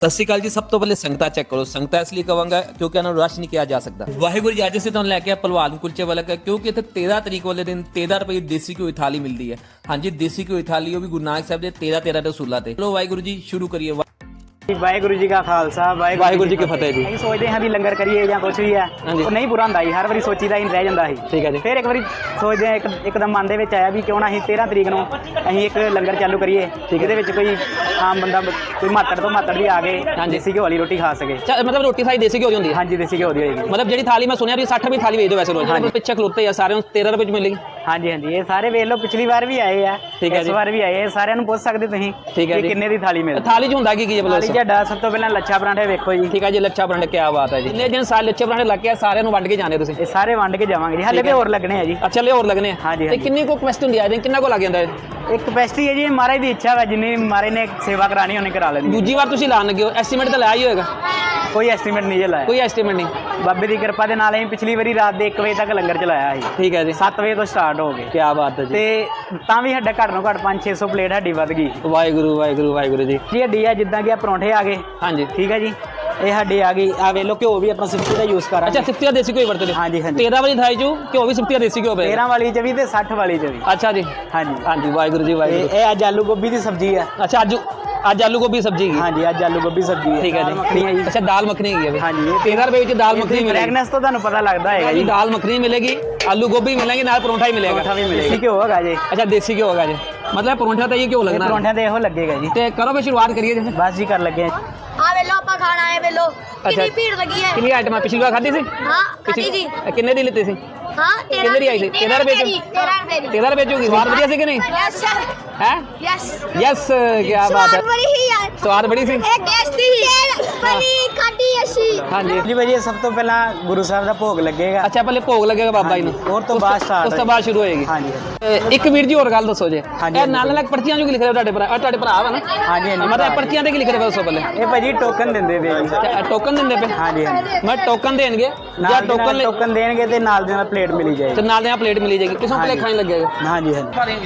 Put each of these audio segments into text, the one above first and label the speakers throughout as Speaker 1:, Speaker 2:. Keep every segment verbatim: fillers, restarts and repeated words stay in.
Speaker 1: सत श्री अकाल जी। सब तो पहले संगता चेक करो। संगता इसलिए कहूँगा क्योंकि इन्होंने रश नहीं किया जा सकता। वाहिगुरू जी, अज से तुम लैके भलवान कुलचे वाला का, क्योंकि इतने तेरह तरीक वाले दिन तेरह रुपए देसी घी थाली मिलती है। हाँ जी, देसी घी थाली वो भी गुरु नानक साहब के तेरह तेरह रसूलों से। चलो वाहिगुरू जी शुरू करिए।
Speaker 2: वाहिगुरू जी का खालसा
Speaker 1: वाहिगुरू जी की फतेह जी।
Speaker 2: ਅਸੀਂ ਸੋਚਦੇ ਹਾਂ ਵੀ ਲੰਗਰ ਕਰੀਏ ਜਾਂ ਕੁਝ ਵੀ ਹੈ, ਉਹ ਨਹੀਂ ਪੂਰਾ ਹੁੰਦਾ ਸੀ। ਹਰ ਵਾਰੀ ਸੋਚੀਦਾ ਹੀ ਰਹਿ ਜਾਂਦਾ ਸੀ।
Speaker 1: ਠੀਕ ਹੈ ਜੀ।
Speaker 2: ਫਿਰ ਇੱਕ ਵਾਰੀ ਸੋਚਦੇ ਹਾਂ, ਇੱਕ ਇੱਕਦਮ ਮਨ ਦੇ ਵਿੱਚ ਆਇਆ ਵੀ ਕਿਉਂ ਨਾ ਅਸੀਂ ਤੇਰ੍ਹਾਂ ਤਰੀਕ ਨੂੰ ਅਸੀਂ ਇੱਕ ਲੰਗਰ ਚਾਲੂ ਕਰੀਏ, ਇਹਦੇ ਵਿੱਚ ਕੋਈ ਆਮ ਬੰਦਾ ਕੋਈ ਮਾਤੜ ਤੋਂ ਮਾਤੜ ਵੀ ਆ ਕੇ ਦੇਸੀ ਘਿਓ ਵਾਲੀ ਰੋਟੀ ਖਾ ਸਕੇ।
Speaker 1: मतलब रोटी सारी देसी घी होती है।
Speaker 2: हाँ जी, देसी घिओ ਦੀ ਹੋਏਗੀ।
Speaker 1: मतलब ਜਿਹੜੀ थाली मैं सुनिया साठ रुपए थाली भेज दो वैसे रोज। पिछे खलोते हैं सारे तेरह रुपए मिलेगी।
Speaker 2: हाँ जी हाँ जी, ये सारे ਵੇਖ ਲਓ, ਪਿਛਲੀ ਵਾਰ ਵੀ ਆਏ ਆ, ਇਸ ਵਾਰ ਵੀ ਆਏ ਆ। ਸਾਰਿਆਂ ਨੂੰ ਪੁੱਛ ਸਕਦੇ ਤੁਸੀਂ ਕਿ ਕਿੰਨੇ ਦੀ ਥਾਲੀ ਮਿਲਦੀ।
Speaker 1: थाली ਚ ਹੁੰਦਾ ਕੀ ਕੀ ਹੈ?
Speaker 2: ਥਾਲੀ ਤੁਹਾਡਾ ਸਭ ਤੋਂ ਪਹਿਲਾਂ ਲੱਛਾ ਪਰਾਂਠੇ ਵੇਖੋ ਜੀ।
Speaker 1: ਠੀਕ ਹੈ ਜੀ, ਲੱਛਾ ਪਰਾਂਠੇ ਕੀ ਬਾਤ ਹੈ ਜੀ। ਜਿੰਨੇ ਦਿਨ ਸਾਰੇ ਲੱਛੇ ਪਰਾਂਠੇ ਲੱਗ ਕੇ ਸਾਰਿਆਂ ਨੂੰ ਵੰਡ ਕੇ ਜਾਣੇ ਤੁਸੀਂ?
Speaker 2: ਇਹ ਸਾਰੇ ਵੰਡ ਕੇ ਜਾਵਾਂਗੇ ਜੀ, ਹਾਲੇ ਤੇ ਹੋਰ ਲੱਗਣੇ ਆ ਜੀ।
Speaker 1: ਅੱਛਾ, ਲੈ ਹੋਰ ਲੱਗਣੇ ਆ।
Speaker 2: हाँ जी
Speaker 1: ਤੇ ਕਿੰਨੀ ਕੋ ਕੁਐਸਚਨ ਹੁੰਦੀ ਹੈ? ਕਿੰਨਾ ਕੋ ਲੱਗ ਜਾਂਦਾ ਹੈ?
Speaker 2: ਇੱਕ ਕਪੈਸਿਟੀ ਹੈ ਜੀ, ਮਹਾਰਾਜ ਦੀ ਇੱਛਾ ਵਾ, ਜਿੰਨੀ ਮਹਾਰਾਜ ਨੇ ਸੇਵਾ ਕਰਾਣੀ ਉਹਨੇ ਕਰਾ ਲੈਣੀ।
Speaker 1: ਦੂਜੀ ਵਾਰ ਤੁਸੀਂ ਲਾਣ ਲੱਗੇ ਹੋ, ਐਸਟੀਮੇਟ ਤਾਂ ਲਾਇਆ ਹੀ ਹੋਏਗਾ?
Speaker 2: ਕੋਈ ਐਸਟੀਮੇਟ ਨਹੀਂ ਲਾਇਆ,
Speaker 1: ਕੋਈ ਐਸਟੀਮੇਟ ਨਹੀਂ।
Speaker 2: ਬਾਬੇ ਦੀ ਕਿਰਪਾ ਦੇ ਨਾਲ ਅਸੀਂ ਪਿਛਲੀ ਵਾਰੀ ਰਾਤ ਦੇ ਇੱਕ ਵਜੇ ਤੱਕ ਲੰਗਰ ਚਲਾਇਆ ਸੀ।
Speaker 1: ਠੀਕ ਹੈ ਜੀ।
Speaker 2: ਸੱਤ ਵਜੇ ਤੋਂ ਸਟਾਰਟ ਹੋ ਗਏ।
Speaker 1: ਕੀ ਬਾਤ ਹੈ ਜੀ।
Speaker 2: ਤੇ ਤਾਂ ਵੀ ਸਾਡਾ ਘੱਟ ਤੋਂ ਘੱਟ ਪੰਜ ਛੇ ਸੌ ਪਲੇਟ ਸਾਡੀ ਵੱਧ ਗਈ।
Speaker 1: ਵਾਹਿਗੁਰੂ ਵਾਹਿਗੁਰੂ ਵਾਹਿਗੁਰੂ ਜੀ।
Speaker 2: ਜੀ ਹੱਡੀ ਆ, ਜਿੱਦਾਂ ਕਿ ਆ ਪਰੌਂਠੇ ਆ ਗਏ।
Speaker 1: ਹਾਂਜੀ
Speaker 2: ਠੀਕ ਹੈ ਜੀ, ਇਹ ਸਾਡੀ ਆ ਗਈ। ਆ ਵੇਖ ਲਓ, ਘਿਓ ਵੀ ਆਪਣਾ ਸਿਫਤੀ ਦਾ ਯੂਜ਼ ਕਰਾਂਗੇ।
Speaker 1: ਅੱਛਾ, ਸਿਫਤੀ ਦਾ ਦੇਸੀ ਘਿਓ ਵਰਤਦੇ?
Speaker 2: ਹਾਂਜੀ ਹਾਂਜੀ।
Speaker 1: ਤੇਰ੍ਹਾਂ ਵਾਲੀ ਥਾਈ ਚੋਂ ਘਿਓ ਵੀ ਸਿਫਤੀ ਦਾ ਦੇਸੀ ਘਿਓ ਪਏ?
Speaker 2: ਤੇਰ੍ਹਾਂ ਵਾਲੀ ਚ ਵੀ ਤੇ ਸੱਠ ਵਾਲੀ ਚ ਵੀ।
Speaker 1: ਅੱਛਾ ਜੀ।
Speaker 2: ਹਾਂਜੀ
Speaker 1: ਹਾਂਜੀ, ਵਾਹਿਗੁਰੂ ਜੀ ਵਾਹਿਗੁਰੂ।
Speaker 2: ਇਹ ਅੱਜ ਆਲੂ ਗੋਭੀ ਦੀ ਸਬਜ਼ੀ ਆ।
Speaker 1: ਅੱਛਾ, ਅੱਜ ਅੱਜ ਆਲੂ ਗੋਭੀ ਸਬਜ਼ੀ ਹੈਗੀ?
Speaker 2: ਹਾਂਜੀ, ਅੱਜ ਆਲੂ ਗੋਭੀ ਸਬਜ਼ੀ ਹੈ।
Speaker 1: ਠੀਕ ਹੈ ਜੀ। ਅੱਛਾ, ਦਾਲ ਮੱਖਣੀ ਹੈਗੀ?
Speaker 2: ਹਾਂਜੀ, ਇਹ
Speaker 1: ਤੇਰ੍ਹਾਂ ਰੁਪਏ ਵਿੱਚ ਦਾਲ ਮੱਖਣੀ ਮਿਲੇਗੀ।
Speaker 2: ਫ੍ਰੈਗਨੈਂਸ ਤੋਂ ਤੁਹਾਨੂੰ ਪਤਾ ਲੱਗਦਾ ਹੈਗਾ ਜੀ।
Speaker 1: ਦਾਲ ਮੱਖਣੀ ਮਿਲੇਗੀ, ਆਲੂ ਗੋਭੀ ਮਿलेगी, ਨਾਲ ਪਰੌਂਠਾ ਹੀ ਮਿਲੇਗਾ।
Speaker 2: ਪਰੌਂਠਾ ਵੀ ਮਿਲੇਗਾ, ਘਿਓ ਹੈਗਾ ਜੀ।
Speaker 1: ਅੱਛਾ, ਦੇਸੀ ਘਿਓ ਹੋਗਾ ਜੀ। मतलब ਪਰੌਂਠਾ ਤਾਂ ਇਹ ਘਿਓ ਲੱਗਣਾ।
Speaker 2: ਪਰੌਂਠਿਆਂ ਤੇ ਇਹੋ ਲੱਗੇਗਾ ਜੀ।
Speaker 1: ਤੇ ਕਰੋ ਫਿਰ ਸ਼ੁਰੂਆਤ ਕਰੀਏ ਜੀ।
Speaker 2: ਬਸ ਜੀ, ਕਰ ਲੱਗੇ
Speaker 3: ਆ ਵੇਲੋ ਆਪਾਂ ਖਾਣਾ ਹੈ ਵੇਲੋ ਕਿੰਨੀ ਭੀੜ ਲੱਗੀ ਹੈ।
Speaker 1: ਕਿੰਨੀ ਆਈਟਮਾਂ ਪਿਛਲੀ ਵਾਰ ਖਾਧੀ ਸੀ?
Speaker 3: ਹਾਂ ਖਾਧੀ ਸੀ।
Speaker 1: ਕਿੰਨੇ ਦੀ ਲਿੱਤੀ ਸੀ?
Speaker 3: ਹਾਂ
Speaker 1: ਕਿੰਨੇ ਦੀ ਆਈ ਸੀ? ਤੇਰ੍ਹਾਂ ਰੁਪਏ ਚ?
Speaker 3: ਤੇਰ੍ਹਾਂ ਰੁਪਏ ਦੀ।
Speaker 1: ਤੇਰ੍ਹਾਂ ਰੁਪਏ ਚ ਹੋਗੀ। ਸਵਾਦ ਵਧੀਆ ਸੀ ਕਿ ਨਹੀਂ?
Speaker 3: Yes sir.
Speaker 1: ਹੈ?
Speaker 3: ਯੈਸ
Speaker 1: ਯੈਸ, ਕੀ ਬਾਤ ਹੈ।
Speaker 3: ਸਵਾਦ ਬੜੀ ਹੀ ਯਾਰ।
Speaker 1: ਸਵਾਦ ਬੜੀ ਸੀ।
Speaker 3: ਇਹ ਟੇਸਟੀ ਹੀ ਬੜੀ ਖਾਧੀ ਅਸੀਂ।
Speaker 1: ਹਾਂਜੀ
Speaker 2: ਜੀ ਭਾਜੀ, ਸਭ ਤੋਂ ਪਹਿਲਾਂ ਗੁਰੂ ਸਾਹਿਬ ਦਾ ਭੋਗ ਲੱਗੇਗਾ।
Speaker 1: ਅੱਛਾ, ਪਹਿਲੇ ਭੋਗ ਲੱਗੇਗਾ ਬਾਬਾ ਜੀ ਨੂੰ,
Speaker 2: ਉਸ ਤੋਂ ਬਾਅਦ ਸਟਾਰਟ
Speaker 1: ਉਸ ਤੋਂ ਬਾਅਦ ਸ਼ੁਰੂ ਹੋਏਗੀ।
Speaker 2: ਹਾਂਜੀ
Speaker 1: ਇੱਕ ਵੀਰ ਜੀ ਹੋਰ ਗੱਲ ਦੱਸੋ ਜੀ।
Speaker 2: ਹਾਂਜੀ,
Speaker 1: ਇਹ ਨਾਲ ਨਾਲ ਪਰਚੀਆਂ ਜੋ ਕੀ ਲਿਖ ਰਹੇ ਹੋ ਤੁਹਾਡੇ ਭਰਾ? ਤੁਹਾਡੇ ਭਰਾ ਵਾ ਨਾ?
Speaker 2: ਹਾਂਜੀ ਹਾਂਜੀ।
Speaker 1: ਮਤਲਬ ਪਰਚੀਆਂ ਤੇ ਕੀ ਲਿਖ ਰਹੇ ਹੋ ਦੱਸੋ ਪਹਿਲੇ?
Speaker 2: ਇਹ ਭਾਜੀ ਟੋਕਨ ਦਿੰਦੇ ਪਏ ਜੀ।
Speaker 1: ਟੋਕਨ ਦਿੰਦੇ ਪਏ?
Speaker 2: ਹਾਂਜੀ ਹਾਂਜੀ।
Speaker 1: ਮੈਂ ਟੋਕਨ ਦੇਣਗੇ ਜਾਂ ਟੋਕਨ
Speaker 2: ਟੋਕਨ ਦੇਣਗੇ ਤੇ ਨਾਲ ਦੇ ਨਾਲ ਪਲੇਟ ਮਿਲੀ ਜਾਏਗੀ।
Speaker 1: ਤੇ ਨਾਲ ਦੇ ਨਾਲ ਪਲੇਟ ਮਿਲੀ ਜਾਏਗੀ। ਕਿਸੋਂ ਪਲੇਟ ਖਾਣ ਲੱਗੇਗਾ?
Speaker 2: ਹਾਂਜੀ ਹਾਂਜੀ।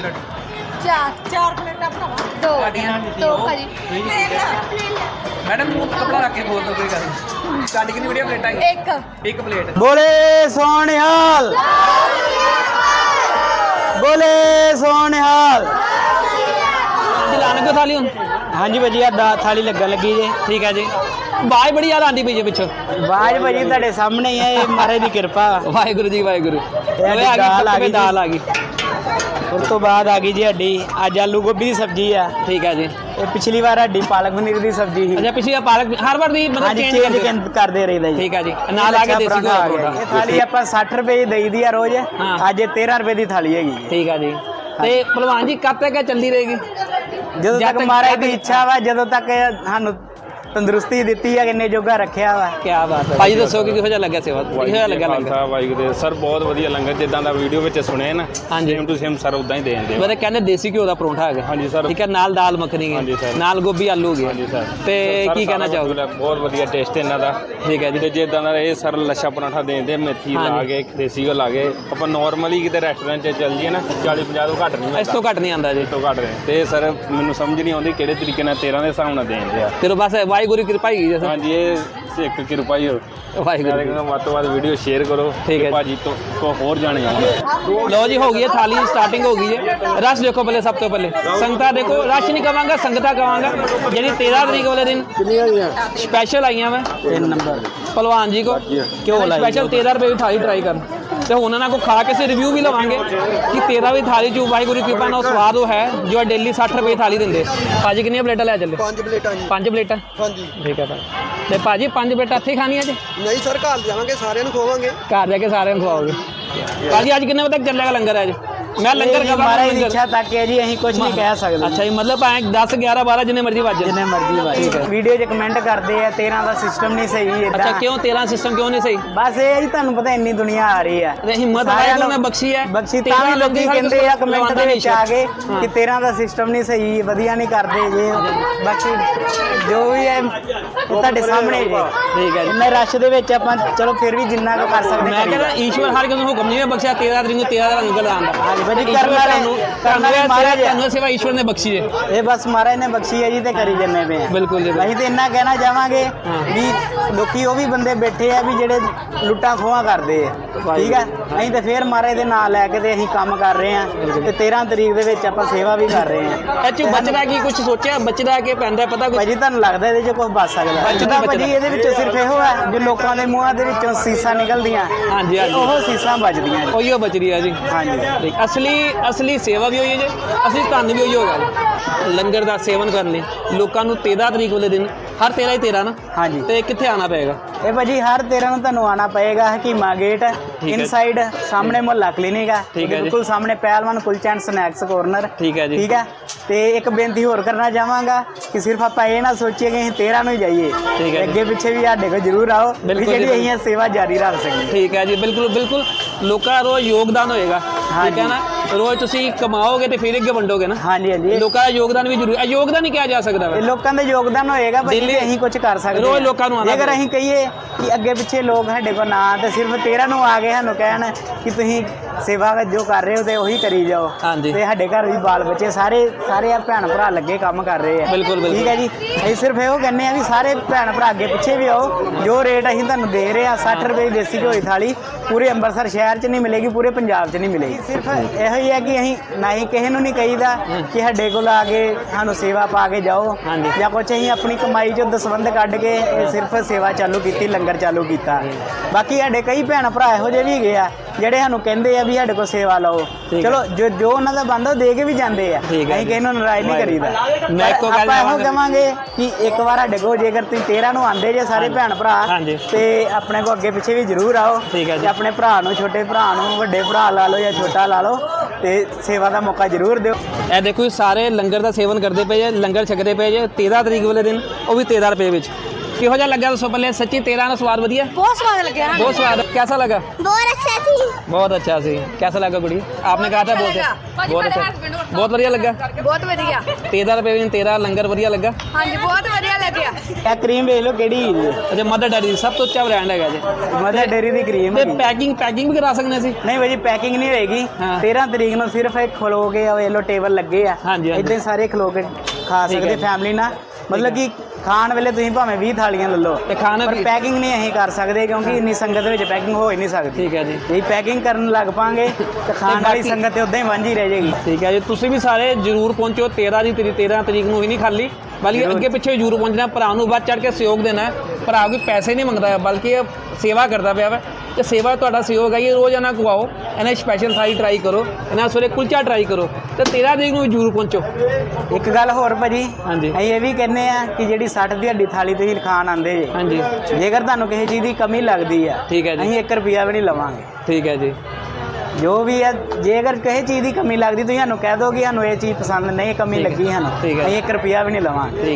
Speaker 3: ਚਾਰ ਚਾਰ ਪਲੇਟਾਂ ਬਣਾਵਾ। ਦੋ ਦੋ ਭਾਜੀ।
Speaker 1: ਮੈਡਮ ਮੂੰਹ ਕੱਪੜਾ ਰੱਖ ਕੇ ਬੋਲ ਦੋ, ਕੋਈ ਗੱਲ ਨਹੀਂ। ਸਾਡੀ ਕਿੰਨੀ ਵੀਡੀਓ ਪਲੇਟਾਂ ਹੈ?
Speaker 3: ਇੱਕ
Speaker 1: ਇੱਕ ਪਲੇਟ।
Speaker 2: ਬੋਲੇ ਸੋਹਣਿਆਲ, ਬੋਲੇ ਸੋਹਣਿਆਲ।
Speaker 1: ਜੀ ਲਾਣ ਲੱਗੇ ਥਾਲੀ ਹੁਣ?
Speaker 2: ਹਾਂਜੀ ਭਾਜੀ, ਆ ਦਾ ਥਾਲੀ ਲੱਗਣ ਲੱਗੀ ਜੇ।
Speaker 1: ਠੀਕ ਹੈ ਜੀ। ਆਵਾਜ਼ ਬੜੀ ਯਾਦ ਆਉਂਦੀ ਪਈ ਹੈ ਪਿੱਛੋਂ।
Speaker 2: ਆਵਾਜ਼ ਭਾਜੀ ਤੁਹਾਡੇ ਸਾਹਮਣੇ ਹੀ ਹੈ, ਇਹ ਮਹਾਰਾਜ ਦੀ ਕਿਰਪਾ।
Speaker 1: ਵਾਹਿਗੁਰੂ ਜੀ ਵਾਹਿਗੁਰੂ।
Speaker 2: ਇਹ
Speaker 1: ਓਏ ਆ
Speaker 2: ਦਾਲ ਆ
Speaker 1: ਗਈ,
Speaker 2: ਗਈ,
Speaker 1: ਦਾਲ ਆ ਗਈ।
Speaker 2: ਉਸ ਤੋਂ ਬਾਅਦ ਆ ਗਈ ਜੀ ਹੱਡੀ। ਅੱਜ ਆਲੂ ਗੋਭੀ ਦੀ ਸਬਜ਼ੀ ਆ।
Speaker 1: ਠੀਕ ਹੈ ਜੀ।
Speaker 2: ਇਹ ਪਿਛਲੀ ਵਾਰ ਹੱਡੀ ਪਾਲਕ ਪਨੀਰ ਦੀ ਸਬਜ਼ੀ ਸੀ।
Speaker 1: ਅੱਛਾ, ਪਿਛਲੀ ਵਾਰ ਪਾਲਕ ਹਰ ਵਾਰ ਦੀ ਮਤਲਬ
Speaker 2: ਹਾਂਜੀ,
Speaker 1: ਚੇਂਜ
Speaker 2: ਚੇਂਜ
Speaker 1: ਕਰਦੇ?
Speaker 2: ਕਰਦੇ ਰਹੀਦਾ ਜੀ।
Speaker 1: ਠੀਕ ਹੈ ਜੀ। ਨਾਲ ਆ ਕੇ ਦੇਸੀ ਘਿਓ ਦਾ ਪਰੌਂਠਾ।
Speaker 2: ਇਹ ਥਾਲੀ ਆਪਾਂ ਸੱਠ ਰੁਪਏ ਦੀ ਦੇਈਦੀ ਆ ਰੋਜ਼। ਅੱਜ ਇਹ ਤੇਰ੍ਹਾਂ ਰੁਪਏ ਦੀ ਥਾਲੀ ਹੈਗੀ।
Speaker 1: ਠੀਕ ਹੈ ਜੀ। ਤੇ ਭਲਵਾਨ ਜੀ ਕਦ ਤੱਕ ਚੱਲਦੀ ਰਹੇਗੀ?
Speaker 2: ਜਦੋਂ ਤੱਕ ਮਹਾਰਾਜ ਦੀ ਇੱਛਾ ਵਾ, ਜਦੋਂ ਤੱਕ ਸਾਨੂੰ ਤੰਦਰੁਸਤੀ ਦਿੱਤੀ ਹੈ, ਕਿੰਨੇ ਜੋਗਾ ਰੱਖਿਆ ਵਾ।
Speaker 1: ਕੀ ਬਾਤ ਹੈ। ਭਾਈ ਦੱਸੋ ਕਿ ਕਿਹੋ ਜਿਹਾ ਲੱਗਿਆ ਸੇਵਾ? ਕਿਹੋ ਜਿਹਾ ਲੱਗਾ ਲੰਗਰ?
Speaker 4: ਵਾਹਿਗੁਰੂ ਸਰ, ਬਹੁਤ ਵਧੀਆ ਲੰਗਰ, ਜਿੱਦਾਂ ਦਾ ਵੀਡੀਓ ਵਿੱਚ ਸੁਣਿਆ ਨਾ।
Speaker 1: ਹਾਂਜੀ।
Speaker 4: ਸੇਮ ਟੂ ਸੇਮ ਸਰ ਉਦਾਂ ਹੀ ਦੇ ਦਿੰਦੇ।
Speaker 1: ਮਤਲਬ ਕਹਿੰਦੇ ਦੇਸੀ ਘਿਓ ਦਾ ਪਰੌਂਠਾ ਹੈਗਾ?
Speaker 4: ਹਾਂਜੀ ਸਰ।
Speaker 1: ਠੀਕ ਹੈ, ਨਾਲ ਦਾਲ ਮੱਖਣੀ
Speaker 4: ਹਾਂਜੀ
Speaker 1: ਹੈ,
Speaker 4: ਸਰ।
Speaker 1: ਨਾਲ ਗੋਭੀ ਆਲੂ ਹੋ ਗਏ।
Speaker 4: ਹਾਂਜੀ ਸਰ।
Speaker 1: ਤੇ ਕੀ ਕਹਿਣਾ ਚਾਹੋਗੇ?
Speaker 4: ਬਹੁਤ ਵਧੀਆ ਟੇਸਟ ਇਹਨਾਂ ਦਾ।
Speaker 1: ਠੀਕ ਹੈ ਜੀ।
Speaker 4: ਤੇ ਜਿੱਦਾਂ ਦਾ ਇਹ ਸਰ ਲੱਛਾ ਪਰਾਂਠਾ ਦੇ ਦਿੰਦੇ, ਮੇਥੀ ਲਾ ਕੇ, ਦੇਸੀ ਘਿਓ ਲਾ ਕੇ। ਆਪਾਂ ਨਾਰਮਲੀ ਕਿਤੇ ਰੈਸਟੋਰੈਂਟ 'ਚ ਚੱਲ ਜੀਏ ਨਾ, ਚਾਲੀ ਪੰਜਾਹ ਤੋਂ ਘੱਟ ਨਹੀਂ
Speaker 1: ਇਸ ਤੋਂ ਘੱਟ ਨਹੀਂ ਆਉਂਦਾ ਜੀ?
Speaker 4: ਇਸ ਤੋਂ ਘੱਟ ਨਹੀਂ। ਤੇ ਸਰ ਮੈਨੂੰ ਸਮਝ ਨਹੀਂ ਆਉਂਦੀ ਕਿਹੜੇ ਤਰੀਕੇ ਨਾਲ ਤੇਰ੍ਹਾਂ ਦੇ ਹਿਸਾਬ ਨਾਲ ਦੇ ਦਿੰਦੇ ਆ।
Speaker 1: ਫਿਰ ਬਸ ਵਾਹਿਗੁਰੂ ਦੀ ਕਿਰਪਾ ਹੀ ਹੈ।
Speaker 4: ਹਾਂਜੀ, ਇਹ ਇੱਕ ਕਿਰਪਾ ਹੀ ਹੋ।
Speaker 1: ਵਾਹਿਗੁਰੂ
Speaker 4: ਮੈਂ ਵੱਧ ਤੋਂ ਵੱਧ ਵੀਡੀਓ ਸ਼ੇਅਰ ਕਰੋ।
Speaker 1: ਠੀਕ ਹੈ
Speaker 4: ਭਾਜੀ ਤੋਂ ਤੋਂ ਹੋਰ ਜਾਣੇ ਜਾਣ।
Speaker 1: ਲਓ ਜੀ, ਹੋ ਗਈ ਹੈ ਥਾਲੀ ਸਟਾਰਟਿੰਗ ਹੋ ਗਈ ਹੈ। ਰਸ਼ ਦੇਖੋ ਪਹਿਲੇ, ਸਭ ਤੋਂ ਪਹਿਲੇ ਸੰਗਤਾਂ ਦੇਖੋ। ਰਸ਼ ਨਹੀਂ ਕਵਾਂਗਾ, ਸੰਗਤਾਂ ਕਵਾਂਗਾ। ਜਿਹੜੀ ਤੇਰ੍ਹਾਂ ਤਰੀਕ ਵਾਲੇ ਦਿਨ ਸਪੈਸ਼ਲ ਆਈਆਂ ਮੈਂ
Speaker 2: ਤਿੰਨ ਨੰਬਰ
Speaker 1: ਭਲਵਾਨ ਜੀ ਕੋ
Speaker 2: ਘਿਓ ਲਾਈ
Speaker 1: ਸਪੈਸ਼ਲ ਤੇਰ੍ਹਾਂ ਰੁਪਏ ਦੀ ਥਾਲੀ ਟਰਾਈ ਕਰਨ। ਤੇ ਹੁਣ ਇਹਨਾਂ ਕੋ ਖਾ ਕੇ ਸੇ ਰਿਵਿਊ ਵੀ ਲਵਾਂਗੇ ਕਿ ਤੇਰ੍ਹਾਂ ਵੀ ਥਾਲੀ ਚ ਵਾਹਿਗੁਰੂ ਦੀ ਕਿਰਪਾ ਨਾਲ ਸਵਾਦ ਉਹ ਹੈ ਜੋ ਡੇਲੀ ਸੱਠ ਰੁਪਏ ਥਾਲੀ ਦਿੰਦੇ। ਭਾਜੀ ਕਿੰਨੀਆਂ ਪਲੇਟਾਂ ਲੈ ਚੱਲੇ?
Speaker 5: ਪੰਜ ਪਲੇਟਾਂ ਜੀ।
Speaker 1: ਪੰਜ ਪਲੇਟਾਂ?
Speaker 5: ਹਾਂਜੀ।
Speaker 1: ਠੀਕ ਹੈ ਭਾਈ। ਤੇ ਭਾਜੀ ਪੰਜ ਪਲੇਟਾਂ ਇੱਥੇ ਖਾਣੀਆਂ ਜੀ?
Speaker 5: ਨਹੀਂ ਸਰ, ਘਰ ਜਾਵਾਂਗੇ, ਸਾਰਿਆਂ ਨੂੰ ਖਵਾਵਾਂਗੇ।
Speaker 1: ਘਰ ਜਾ ਕੇ ਸਾਰਿਆਂ ਨੂੰ ਖਵਾਓਗੇ? ਭਾਜੀ ਅੱਜ ਕਿੰਨੇ ਵਜੇ ਤੱਕ ਚੱਲੇਗਾ ਲੰਗਰ? ਅੱਜ ਮੈਂ ਲੰਗਰ
Speaker 2: ਇਹ ਮਹਾਰਾਜ ਦੀ ਇੱਛਾ ਤੱਕ ਹੈ ਜੀ, ਅਸੀਂ ਕੁਝ ਨਹੀਂ ਕਹਿ ਸਕਦੇ।
Speaker 1: ਅੱਛਾ ਜੀ, ਮਤਲਬ ਐ ਦਸ ਗਿਆਰਾਂ ਬਾਰਾਂ ਜਿੰਨੇ ਮਰਜ਼ੀ ਵੱਜ ਜਾਣ।
Speaker 2: ਜਿੰਨੇ ਮਰਜ਼ੀ ਵਾਰ ਵੀਡੀਓ 'ਚ ਕਮੈਂਟ ਕਰਦੇ ਆ ਤੇਰ੍ਹਾਂ ਦਾ ਸਿਸਟਮ ਨਹੀਂ ਸਹੀ
Speaker 1: ਅੱਛਾ,
Speaker 2: ਇਦਾਂ।
Speaker 1: ਕਿਉਂ ਤੇਰ੍ਹਾਂ ਸਿਸਟਮ ਕਿਉਂ ਨਹੀਂ ਸਹੀ?
Speaker 2: ਬਸ ਇਹ ਜੀ, ਤੁਹਾਨੂੰ ਪਤਾ ਇੰਨੀ ਦੁਨੀਆ ਆ ਰਹੀ ਆ।
Speaker 1: ਤੇ ਹਿੰਮਤ ਵਾਹਿਗੁਰੂ ਨੇ ਬਖਸ਼ੀ ਹੈ।
Speaker 2: ਬਖਸ਼ੀ ਤਾਂ ਵੀ ਲੋਕੀ ਕਹਿੰਦੇ ਆ ਕਮੈਂਟ ਦੇ ਵਿੱਚ ਆ ਕੇ ਕਿ ਤੇਰ੍ਹਾਂ ਦਾ ਸਿਸਟਮ ਨਹੀਂ ਸਹੀ, ਵਧੀਆ ਨਹੀਂ ਕਰਦੇ ਜੇ। ਬਾਕੀ ਜੋ ਵੀ ਹੈ ਉਹ ਤੁਹਾਡੇ ਸਾਹਮਣੇ ਜੀ।
Speaker 1: ਠੀਕ ਹੈ ਜੀ।
Speaker 2: ਇੰਨੇ ਰਸ਼ ਦੇ ਵਿੱਚ ਆਪਾਂ ਚਲੋ ਫਿਰ ਵੀ ਜਿੰਨਾ ਕੁ ਕਰ ਸਕਦੇ।
Speaker 1: ਮੈਂ ਕਹਿੰਦਾ ਈਸ਼ਵਰ ਹਰ ਕਿਸੇ ਨੂੰ ਹੁਕਮ ਨਹੀਂ ਬਖਸ਼ਿਆ ਤੇਰ੍ਹਾਂ ਤਰੀਕ ਨੂੰ ਤੇਰ੍ਹਾਂ ਦਾ ਲੰਗਰ ਲਾਉਣ ਦਾ।
Speaker 2: ਭਾਜੀ
Speaker 1: ਈਸ਼ਵਰ
Speaker 2: ਕਰਨ ਵਾਲੇ
Speaker 1: ਤੁਹਾਨੂੰ
Speaker 2: ਕਰਨ ਵਾਲੇ
Speaker 1: ਤੁਹਾਨੂੰ
Speaker 2: ਮਹਾਰਾਜ ਆ।
Speaker 1: ਤੁਹਾਨੂੰ ਸੇਵਾ ਈਸ਼ਵਰ ਨੇ ਬਖਸ਼ੀ ਜੇ।
Speaker 2: ਇਹ ਬਸ ਮਹਾਰਾਜ ਨੇ ਬਖਸ਼ੀ ਹੈ ਜੀ ਤੇ ਕਰੀ ਜੰਨੇ ਪਏ ਆ।
Speaker 1: ਬਿਲਕੁਲ ਜੀ,
Speaker 2: ਅਸੀਂ ਤੇ ਇੰਨਾ ਕਹਿਣਾ ਚਾਹਾਂਗੇ
Speaker 1: ਹਾਂ।
Speaker 2: ਵੀ ਲੋਕੀ ਉਹ ਵੀ ਬੰਦੇ ਬੈਠੇ ਆ ਵੀ ਜਿਹੜੇ ਲੁੱਟਾਂ ਖੋਹਾਂ ਕਰਦੇ ਆ, ਠੀਕ ਆ। ਅਸੀਂ ਤੇ ਫੇਰ ਮਹਾਰਾਜ ਦੇ ਨਾਂ ਲੈ ਕੇ ਤੇ ਅਸੀਂ ਕੰਮ ਕਰ ਰਹੇ ਆ ਤੇ ਤੇਰਾਂ ਤਰੀਕ ਦੇ ਵਿੱਚ ਆਪਾਂ ਸੇਵਾ ਵੀ ਕਰ ਰਹੇ ਆ।
Speaker 1: ਇਹ ਚ ਬਚਦਾ ਕੀ ਕੁਝ ਸੋਚਿਆ, ਬਚਦਾ ਕੀ ਪੈਂਦਾ ਪਤਾ ਕੁਝ?
Speaker 2: ਭਾਜੀ ਤੁਹਾਨੂੰ ਲੱਗਦਾ ਇਹਦੇ 'ਚ ਕੁਝ ਬਚ ਸਕਦਾ?
Speaker 1: ਬਚਦਾ
Speaker 2: ਭਾਜੀ ਇਹਦੇ ਵਿੱਚ ਸਿਰਫ ਇਹੋ ਹੈ ਜੋ ਲੋਕਾਂ ਦੇ ਮੂੰਹਾਂ ਦੇ ਵਿੱਚੋਂ ਸੀਸਾਂ ਨਿਕਲਦੀਆਂ,
Speaker 1: ਹਾਂਜੀ, ਹਾਂਜੀ।
Speaker 2: ਉਹ ਸੀਸਾਂ ਬਚਦੀਆਂ ਜੀ।
Speaker 1: ਉਹੀਓ ਬਚ ਰਹੀ ਹੈ ਜੀ।
Speaker 2: ਹਾਂਜੀ
Speaker 1: ਠੀਕ। ਅਸਲੀ ਅਸਲੀ ਸੇਵਾ ਵੀ ਹੋਈ ਹੈ ਜੀ, ਅਸਲੀ ਧੰਨ ਵੀ ਹੋਈ ਹੋਗਾ ਜੀ। ਲੰਗਰ ਦਾ ਸੇਵਨ ਕਰਨ ਲਈ ਲੋਕਾਂ ਨੂੰ ਤੇਰਾਂ ਤਰੀਕ ਵਾਲੇ ਦਿਨ, ਹਰ ਤੇਰਾਂ ਹੀ ਤੇਰਾਂ ਨਾ,
Speaker 2: ਹਾਂਜੀ।
Speaker 1: ਤੇ ਕਿੱਥੇ ਆਣਾ ਪਏਗਾ?
Speaker 2: ਇਹ ਭਾਜੀ ਹਰ ਤੇਰਾਂ ਨੂੰ ਤੁਹਾਨੂੰ ਆਣਾ ਪਏਗਾ ਹਕੀਮਾ ਗੇਟ ਇਨਸਾਈਡ, ਸਾਹਮਣੇ ਮੁਹੱਲਾ ਕਲੀਨਿਕ ਆ,
Speaker 1: ਠੀਕ ਹੈ ਜੀ।
Speaker 2: ਬਿਲਕੁਲ ਸਾਹਮਣੇ ਪਹਿਲਵਾਨ ਕੁਲਚਾ ਐਂਡ ਸਨੈਕਸ ਕਾਰਨਰ।
Speaker 1: ਠੀਕ ਹੈ ਜੀ।
Speaker 2: ਠੀਕ ਹੈ। ਤੇ ਇੱਕ ਬੇਨਤੀ ਹੋਰ ਕਰਨਾ ਚਾਹਾਂਗਾ ਕਿ ਸਿਰਫ ਆਪਾਂ ਇਹ ਨਾ ਸੋਚੀਏ ਕਿ ਅਸੀਂ ਤੇਰਾਂ ਨੂੰ ਹੀ ਜਾਈਏ,
Speaker 1: ਠੀਕ ਹੈ ਜੀ।
Speaker 2: ਅੱਗੇ ਪਿੱਛੇ ਵੀ ਸਾਡੇ ਕੋਲ ਜ਼ਰੂਰ ਆਓ ਵੀ
Speaker 1: ਬਿਲਕੁਲ ਜੀ,
Speaker 2: ਜਿਹੜੀ ਅਸੀਂ ਇਹ ਸੇਵਾ ਜਾਰੀ ਰੱਖ ਸਕੀਏ।
Speaker 1: ਠੀਕ ਹੈ ਜੀ, ਬਿਲਕੁਲ ਬਿਲਕੁਲ। ਲੋਕਾਂ ਦਾ ਰੋਜ਼ ਯੋਗਦਾਨ ਹੋਏਗਾ, ਠੀਕ ਹੈ ਨਾ। ਰੋਜ਼ ਤੁਸੀਂ ਕਮਾਓਗੇ ਤੇ ਫਿਰ ਅੱਗੇ ਵੰਡੋਗੇ ਨਾ।
Speaker 2: ਹਾਂਜੀ ਹਾਂਜੀ।
Speaker 1: ਲੋਕਾਂ ਦਾ ਯੋਗਦਾਨ ਵੀ ਜ਼ਰੂਰੀ ਹੈ। ਯੋਗਦਾਨ ਨਹੀਂ ਕਿਹਾ ਜਾ ਸਕਦਾ ਵਾ।
Speaker 2: ਇਹ ਲੋਕਾਂ ਦਾ ਯੋਗਦਾਨ ਹੋਏਗਾ ਭਾਜੀ
Speaker 1: ਦਿੱਲੀ-
Speaker 2: ਤੇ ਅਸੀਂ ਕੁਝ ਕਰ ਸਕਦੇ
Speaker 1: ਰੋਜ਼
Speaker 2: ਹਾਂ।
Speaker 1: ਲੋਕਾਂ ਨੂੰ ਆਉਣਾ
Speaker 2: ਜੇਕਰ
Speaker 1: ਪਏਗਾ।
Speaker 2: ਅਸੀਂ ਕਹੀਏ ਕਿ ਅੱਗੇ ਪਿੱਛੇ ਲੋਕ ਸਾਡੇ ਕੋਲ ਨਾ ਤੇ ਸਿਰਫ ਤੇਰਾਂ ਨੂੰ ਆ ਗਏ ਸਾਨੂੰ ਕਹਿਣ ਕਿ ਤੁਸੀਂ ਸੇਵਾ ਜੋ ਕਰ ਰਹੇ ਹੋ ਤੇ ਉਹੀ ਕਰੀ ਜਾਓ,
Speaker 1: ਹਾਂਜੀ।
Speaker 2: ਤੇ ਸਾਡੇ ਘਰ ਵੀ ਬਾਲ ਬੱਚੇ ਸਾਰੇ ਸਾਰੇ ਆ ਭੈਣ ਭਰਾ ਲੱਗੇ ਕੰਮ ਕਰ ਰਹੇ ਆ।
Speaker 1: ਬਿਲਕੁਲ, ਬਿਲਕੁਲ।
Speaker 2: ਠੀਕ ਹੈ ਜੀ। ਅਸੀਂ ਸਿਰਫ ਇਹੋ ਕਹਿੰਦੇ ਆ ਵੀ ਸਾਰੇ ਭੈਣ ਭਰਾ ਅੱਗੇ ਪਿੱਛੇ ਵੀ ਆਓ। ਜੋ ਰੇਟ ਅਸੀਂ ਤੁਹਾਨੂੰ ਦੇ ਰਹੇ ਆ ਸੱਠ ਰੁਪਏ ਦੀ ਦੇਸੀ ਘਿਓ ਦੀ ਥਾਲੀ ਪੂਰੇ ਅੰਮ੍ਰਿਤਸਰ ਸ਼ਹਿਰ 'ਚ ਨਹੀਂ ਮਿਲੇਗੀ, ਪੂਰੇ ਪੰਜਾਬ 'ਚ ਨਹੀਂ ਮਿਲੇਗੀ। ਸਿਰਫ ਇਹੋ ਹੀ ਹੈ ਕਿ ਅਸੀਂ ਨਾ ਹੀ ਕਿਸੇ ਨੂੰ ਨਹੀਂ ਕਹੀਦਾ ਕਿ ਸਾਡੇ ਕੋਲ ਆ ਕੇ ਸਾਨੂੰ ਸੇਵਾ ਪਾ ਕੇ ਜਾਓ
Speaker 1: ਹਾਂਜੀ।
Speaker 2: ਜਾਂ ਕੁਛ ਅਸੀਂ ਆਪਣੀ ਕਮਾਈ 'ਚੋਂ ਦਸਵੰਧ ਕੱਢ ਕੇ ਇਹ ਸਿਰਫ ਸੇਵਾ ਚਾਲੂ ਕੀਤੀ, ਲੰਗਰ ਚਾਲੂ ਕੀਤਾ। ਬਾਕੀ ਸਾਡੇ ਕਈ ਭੈਣ ਭਰਾ ਇਹੋ ਜਿਹੇ ਵੀ ਹੈਗੇ ਆ ਜਿਹੜੇ ਸਾਨੂੰ ਕਹਿੰਦੇ ਆ ਵੀ ਸਾਡੇ ਕੋਲ ਸੇਵਾ ਲਓ।
Speaker 1: ਠੀਕ
Speaker 2: ਚਲੋ ਜੋ ਜੋ ਉਹਨਾਂ ਦਾ ਬਣਦਾ ਉਹ ਦੇ ਕੇ ਵੀ ਜਾਂਦੇ ਆ,
Speaker 1: ਠੀਕ ਹੈ
Speaker 2: ਅਸੀਂ ਕਿਸੇ ਨੂੰ ਨਾਰਾਜ਼ ਨਹੀਂ ਕਰੀਦਾ।
Speaker 1: ਮੈਂ ਇੱਕੋ ਗੱਲ
Speaker 2: ਆਪਾਂ ਇਹੋ
Speaker 1: ਕਹਾਂਗਾ।
Speaker 2: ਕਹਾਂਗੇ ਕਿ ਇੱਕ ਵਾਰ ਸਾਡੇ ਕੋਲ ਜੇਕਰ ਤੁਸੀਂ ਤੇਰਾਂ ਨੂੰ ਆਂਦੇ ਜੇ ਸਾਰੇ ਭੈਣ ਭਰਾ
Speaker 1: ਹਾਂਜੀ।
Speaker 2: ਤੇ ਆਪਣੇ ਕੋਲ ਅੱਗੇ ਪਿੱਛੇ ਵੀ ਜ਼ਰੂਰ ਆਓ
Speaker 1: ਠੀਕ ਹੈ ਜੀ।
Speaker 2: ਤੇ ਆਪਣੇ ਭਰਾ ਨੂੰ, ਛੋਟੇ ਭਰਾ ਨੂੰ, ਵੱਡੇ ਭਰਾ ਲਾ ਲਓ ਜਾਂ ਛੋਟਾ ਲਾ ਲਓ, ਤੇ ਸੇਵਾ ਦਾ ਮੌਕਾ ਜ਼ਰੂਰ ਦਿਓ।
Speaker 1: ਇਹ ਦੇਖੋ ਜੀ, ਸਾਰੇ ਲੰਗਰ ਦਾ ਸੇਵਨ ਕਰਦੇ ਪਏ ਜੇ, ਲੰਗਰ ਛਕਦੇ ਪਏ ਜੇ ਤੇਰਾਂ ਤਰੀਕ ਵਾਲੇ ਦਿਨ, ਉਹ ਵੀ ਤੇਰਾਂ ਰੁਪਏ ਵਿੱਚ। ਕਿਹੋ ਜਿਹਾ ਲੱਗਾ ਦੱਸੋ ਪਹਿਲੇ? ਸੱਚੀ ਤੇਰਾਂ ਦਾ ਸਵਾਦ ਵਧੀਆ?
Speaker 3: बहुत स्वाद लगे हाँ।
Speaker 1: बहुत स्वाद। कैसा लगा?
Speaker 3: बहुत अच्छा थी।
Speaker 1: बहुत अच्छा सी। कैसा लगा गुड़ी? आपने कहा था बहुत बहुत अच्छा, बहुत बढ़िया लगा।
Speaker 3: बहुत बढ़िया।
Speaker 1: तेरह रुपए में तेरह लंगर बढ़िया लगा।
Speaker 3: हाँ जी बहुत बढ़िया लगे।
Speaker 2: ਇਹ ਕਰੀਮ ਵੇਖ ਲਓ ਕਿਹੜੀ
Speaker 1: अच्छा, मदर डेयरी सब तो अच्छा ब्रांड है जी।
Speaker 2: ਮਦਰ ਡੇਰੀ ਦੀ ਕਰੀਮ
Speaker 1: ਤੇ ਪੈਕਿੰਗ ਪੈਕਿੰਗ ਵੀ ਕਰਾ ਸਕਦੇ ਸੀ।
Speaker 2: ਨਹੀਂ ਭਾਜੀ ਪੈਕਿੰਗ ਨਹੀਂ ਹੋਏਗੀ।
Speaker 1: ਹਾਂ।
Speaker 2: ਤੇਰਾਂ ਤਰੀਕ ਨੂੰ ਸਿਰਫ ਇੱਕ ਖਲੋ ਕੇ ਵੇਖ ਲਓ ਟੇਬਲ ਲੱਗੇ ਆ,
Speaker 1: ਹਾਂਜੀ, ਹਾਂਜੀ।
Speaker 2: ਇਦਾਂ ਸਾਰੇ ਖਲੋ ਕੇ ਖਾ
Speaker 1: ਠੀਕ ਹੈ
Speaker 2: ਸਕਦੇ
Speaker 1: ਜੀ।
Speaker 2: ਫੈਮਿਲੀ ਨਾਲ। ਮਤਲਬ ਕਿ ਖਾਣ ਵੇਲੇ ਤੁਸੀਂ ਭਾਵੇਂ ਵੀਹ ਥਾਲੀਆਂ ਲੈ ਲਓ
Speaker 1: ਤੇ ਖਾਣਾ
Speaker 2: ਪਰ
Speaker 1: ਵੀ-
Speaker 2: ਪੈਕਿੰਗ ਨਹੀਂ ਅਸੀਂ ਕਰ ਸਕਦੇ ਕਿਉਂਕਿ ਇੰਨੀ ਸੰਗਤ ਦੇ ਵਿੱਚ ਪੈਕਿੰਗ ਹੋ ਹੀ ਨਹੀਂ ਸਕਦੀ।
Speaker 1: ਠੀਕ ਹੈ ਜੀ।
Speaker 2: ਜੇ ਪੈਕਿੰਗ ਕਰਨ ਲੱਗ ਪਾਂਗੇ ਤੇ ਖਾਣ ਵਾਲੀ
Speaker 1: ਬਾਕੀ-
Speaker 2: ਸੰਗਤ ਤੇ ਉਦਾਂ ਹੀ ਵਾਂਝੀ ਰਹਿ ਜਾਏਗੀ।
Speaker 1: ਠੀਕ ਹੈ ਜੀ, ਤੁਸੀਂ ਵੀ ਸਾਰੇ ਜਰੂਰ ਪਹੁੰਚੋ। ਤੇਰਾਂ ਦੀ ਤਰੀਕ ਤੇਰਾਂ ਤਰੀਕ ਨੂੰ ਹੀ ਨਹੀਂ ਖਾਲੀ, ਬਲਕਿ ਅੱਗੇ ਪਿੱਛੇ ਵੀ ਜਰੂਰ ਪਹੁੰਚਣਾ। ਭਰਾ ਨੂੰ ਵੱਧ ਚੜ ਕੇ ਸਹਿਯੋਗ ਦੇਣਾ ਹੈ। ਭਰਾ ਕੋਈ ਪੈਸੇ ਨਹੀਂ ਮੰਗਦਾ, ਬਲਕਿ ਇਹ ਸੇਵਾ ਕਰਦਾ ਪਿਆ ਵਾ ਤੇ ਸੇਵਾ ਤੁਹਾਡਾ ਸਹਿਯੋਗ ਹੈ। ਇਹ ਰੋਜ਼ ਇਹਨਾਂ ਕੋ ਆਓ, ਇਹਨਾਂ ਸਪੈਸ਼ਲ ਥਾਲੀ ਟਰਾਈ ਕਰੋ, ਇਹਨਾਂ ਸਵੇਰੇ ਕੁਲਚਾ ਟਰਾਈ ਕਰੋ ਤੇ ਤੇਰਾਂ ਤਰੀਕ ਨੂੰ ਵੀ ਜਰੂਰ ਪਹੁੰਚੋ।
Speaker 2: ਇੱਕ ਗੱਲ ਹੋਰ ਭਾਜੀ,
Speaker 1: ਹਾਂਜੀ।
Speaker 2: ਅਸੀਂ ਇਹ ਵੀ ਕਹਿੰਦੇ ਆ ਕਿ ਜਿਹੜੀ ਸੱਠ ਦੀ ਹੱਡੀ ਥਾਲੀ ਤੁਸੀਂ ਖਾਣ ਆਂਦੇ ਜੇ,
Speaker 1: ਹਾਂਜੀ,
Speaker 2: ਜੇਕਰ ਤੁਹਾਨੂੰ ਕਿਸੇ ਚੀਜ਼ ਦੀ ਕਮੀ ਲੱਗਦੀ ਆ
Speaker 1: ਠੀਕ ਹੈ ਜੀ।
Speaker 2: ਅਸੀਂ ਇੱਕ ਰੁਪਿਆ ਵੀ ਨਹੀਂ ਲਵਾਂਗੇ।
Speaker 1: ਠੀਕ ਹੈ ਜੀ।
Speaker 2: ਜੋ ਵੀ ਹੈ, ਜੇਕਰ ਕਿਸੇ ਚੀਜ਼ ਦੀ ਕਮੀ ਲੱਗਦੀ ਤੁਸੀਂ ਸਾਨੂੰ ਕਹਿ ਦਿਓ ਕਿ ਸਾਨੂੰ ਇਹ ਚੀਜ਼ ਪਸੰਦ ਨਹੀਂ, ਕਮੀ
Speaker 1: ਠੀਕ ਹੈ।
Speaker 2: ਲੱਗੀ ਸਾਨੂੰ,
Speaker 1: ਠੀਕ ਹੈ।
Speaker 2: ਅਸੀਂ ਇੱਕ ਰੁਪਿਆ ਵੀ ਨਹੀਂ ਲਵਾਂਗੇ।
Speaker 1: ਠੀਕ